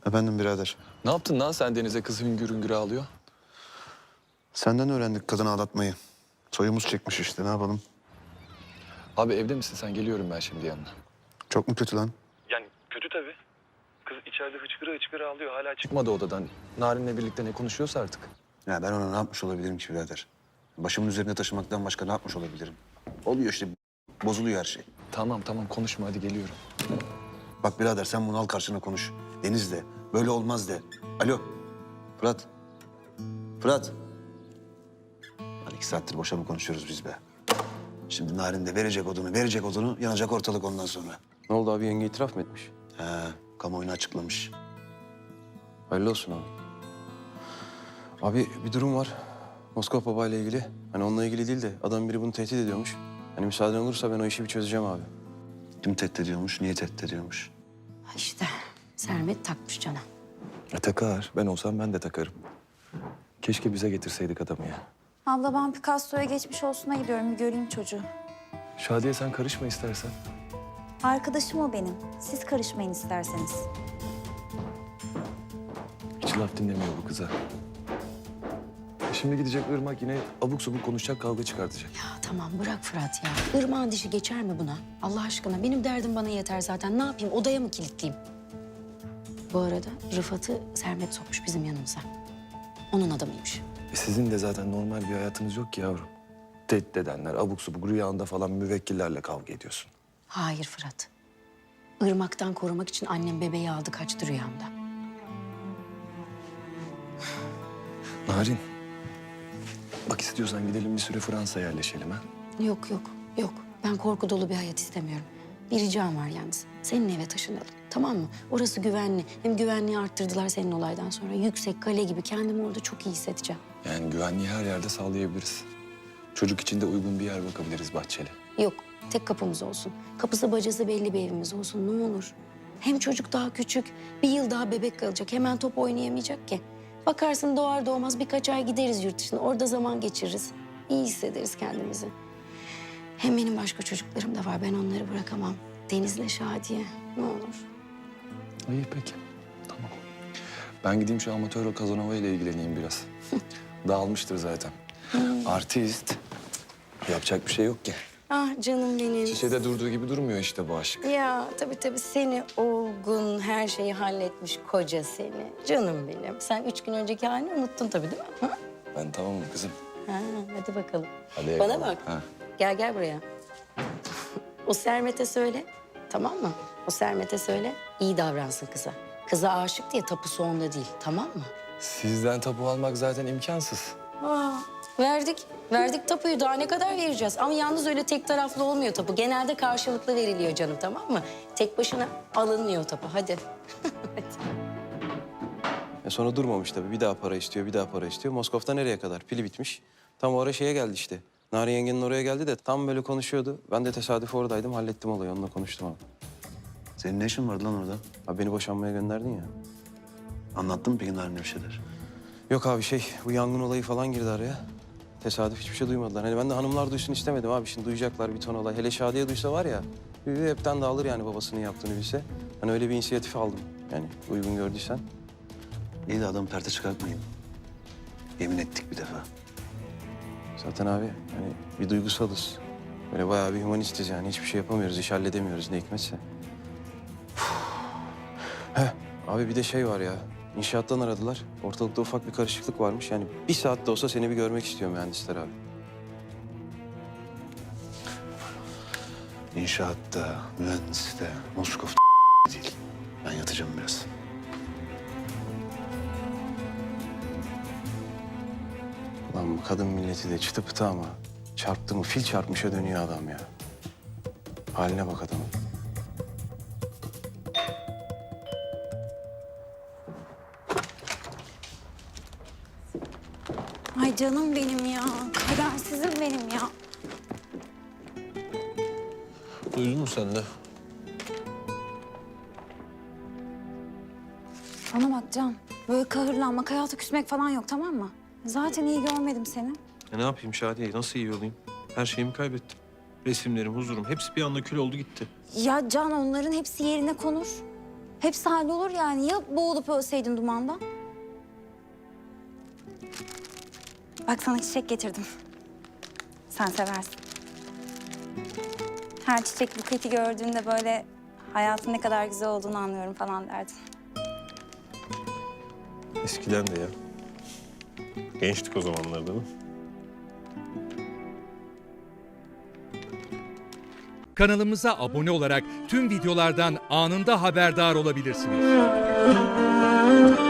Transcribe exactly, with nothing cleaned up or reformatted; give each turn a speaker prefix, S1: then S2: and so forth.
S1: Efendim birader.
S2: Ne yaptın lan sen Deniz'e kız hüngür hüngür ağlıyor?
S1: Senden öğrendik kadını aldatmayı. Soyumuz çekmiş işte, ne yapalım?
S2: Abi evde misin sen? Geliyorum ben şimdi yanına.
S1: Çok mu kötü lan?
S2: Yani kötü tabii. Kız içeride hıçkıra hıçkıra ağlıyor. Hala çıkmadı odadan. Narin'le birlikte ne konuşuyorsa artık.
S1: Ya ben ona ne yapmış olabilirim ki birader? Başımın üzerine taşımaktan başka ne yapmış olabilirim? Oluyor işte, bozuluyor her şey.
S2: Tamam tamam konuşma hadi geliyorum.
S1: Bak birader sen bunu al karşına konuş. Deniz de, böyle olmaz de. Alo, Fırat. Fırat. Lan iki saattir boşa mı konuşuyoruz biz be? Şimdi Narin de verecek odunu, verecek odunu, yanacak ortalık ondan sonra.
S3: Ne oldu abi, yenge itiraf mı etmiş?
S1: He, kamuoyuna açıklamış.
S3: Hayırlı olsun abi. Abi bir durum var. Moskova Baba ile ilgili. Hani onunla ilgili değil de adam biri bunu tehdit ediyormuş. Hani müsaaden olursa ben o işi bir çözeceğim abi.
S1: Kim tehdit ediyormuş, niye tehdit ediyormuş?
S4: Ha İşte Sermet takmış cana.
S2: E takar. Ben olsam ben de takarım. Keşke bize getirseydik adamı ya.
S5: Abla ben Picasso'ya geçmiş olsuna gidiyorum. Bir göreyim çocuğu.
S2: Şadiye sen karışma istersen.
S5: Arkadaşım o benim. Siz karışmayın isterseniz.
S2: Hiç laf dinlemiyor bu kıza. E Şimdi gidecek Irmak yine abuk subuk konuşacak, kavga çıkartacak.
S4: Ya tamam bırak Fırat ya. Irmağın dişi geçer mi buna? Allah aşkına benim derdim bana yeter zaten. Ne yapayım, odaya mı kilitleyeyim? Bu arada Rıfat'ı Sermet sokmuş bizim yanımıza. Onun adamıymış.
S2: E sizin de zaten normal bir hayatınız yok ki yavrum. Tehdit edenler, abuk subuk rüyanda falan müvekkillerle kavga ediyorsun.
S4: Hayır Fırat. Irmak'tan korumak için annem bebeği aldı kaçtı rüyamda.
S2: Narin, bak istiyorsan gidelim bir süre Fransa'ya yerleşelim ha.
S4: Yok yok yok. Ben korku dolu bir hayat istemiyorum. Bir ricam var yalnız. Senin eve taşınalım. Tamam mı? Orası güvenli. Hem güvenliği arttırdılar senin olaydan sonra. Yüksek kale gibi kendimi orada çok iyi hissedeceğim.
S2: Yani güvenliği her yerde sağlayabiliriz. Çocuk için de uygun bir yer bakabiliriz bahçeli.
S4: Yok. Tek kapımız olsun. Kapısı bacası belli bir evimiz olsun ne olur. Hem çocuk daha küçük. Bir yıl daha bebek kalacak. Hemen top oynayamayacak ki. Bakarsın doğar doğmaz birkaç ay gideriz yurt dışına. Orada zaman geçiririz. İyi hissederiz kendimizi. Hem benim başka çocuklarım da var. Ben onları bırakamam. Deniz'le Şadiye. Ne olur.
S2: İyi peki. Tamam. Ben gideyim şu amatör Kazanova ile ilgileneyim biraz. Dağılmıştır zaten. Artist. Yapacak bir şey yok ki.
S4: Ah canım benim.
S2: Şişede durduğu gibi durmuyor işte bu aşk.
S4: Ya tabii tabii seni olgun, her şeyi halletmiş koca seni. Canım benim. Sen üç gün önceki halini unuttun tabii değil mi? Ha,
S2: Ben tamamım kızım.
S4: ha hadi bakalım.
S2: Hadi
S4: Bana
S2: eyvallah.
S4: bak.
S2: Ha.
S4: Gel gel buraya. O Sermet'e söyle. Tamam mı? O Sermet'e söyle. İyi davransın kıza. Kıza aşık diye tapusu onda değil. Tamam mı?
S2: Sizden tapu almak zaten imkansız.
S4: Aa, verdik. Verdik tapuyu. Daha ne kadar vereceğiz? Ama yalnız öyle tek taraflı olmuyor tapu. Genelde karşılıklı veriliyor canım tamam mı? Tek başına alınmıyor tapu. Hadi.
S3: E sonra durmamış tabii. Bir daha para istiyor, bir daha para istiyor. Moskov'da nereye kadar? Pili bitmiş. Tam o ara şeye geldi işte. Narin yengenin oraya geldi de tam böyle konuşuyordu. Ben de tesadüf oradaydım. Hallettim olayı. Onunla konuştum abi.
S1: Senin ne işin vardı lan orada?
S3: Abi beni boşanmaya gönderdin ya.
S1: Anlattın mı peki Narin'e bir şeyler?
S3: Yok abi şey, bu yangın olayı falan girdi araya. Tesadüf hiçbir şey duymadılar. Hani ben de hanımlar duysun istemedim abi. Şimdi duyacaklar bir ton olay. Hele Şadiye duysa var ya, hü, hepten dağılır yani babasının yaptığını bilse. Hani öyle bir inisiyatif aldım. Yani uygun gördüysen.
S1: İyi de adamı perte çıkartmayın. Yemin ettik bir defa.
S3: Zaten abi hani bir duygusalız. Böyle bayağı bir humanistiz yani. Hiçbir şey yapamıyoruz, iş halledemiyoruz ne hikmetse. Heh, abi bir de şey var ya. İnşaattan aradılar. Ortalıkta ufak bir karışıklık varmış. Yani bir saat de olsa seni bir görmek istiyor mühendisler abi.
S1: İnşaatta, mühendiste, Moskov değil. Ben yatacağım biraz.
S3: Lan bu kadın milleti de çıtı pıtı ama çarptı mı fil çarpmışa dönüyor adam ya. Haline bak adamın.
S5: Ay canım benim ya. Kadersizim benim ya.
S6: Duydun mu sen de?
S5: Bana bak Can. Böyle kahırlanmak, hayata küsmek falan yok tamam mı? Zaten iyi görmedim seni.
S6: E ne yapayım Şadiye? Nasıl iyi olayım? Her şeyimi kaybettim. Resimlerim, huzurum hepsi bir anda kül oldu gitti.
S5: Ya Can onların hepsi yerine konur. Hepsi hallolur yani. Ya boğulup ölseydin dumanda? Bak sana çiçek getirdim. Sen seversin. Her çiçek buketi gördüğünde böyle hayatın ne kadar güzel olduğunu anlıyorum falan derdin.
S6: Eskiden de ya. Gençtik o zamanlarda değil mi?
S7: Kanalımıza abone olarak tüm videolardan anında haberdar olabilirsiniz.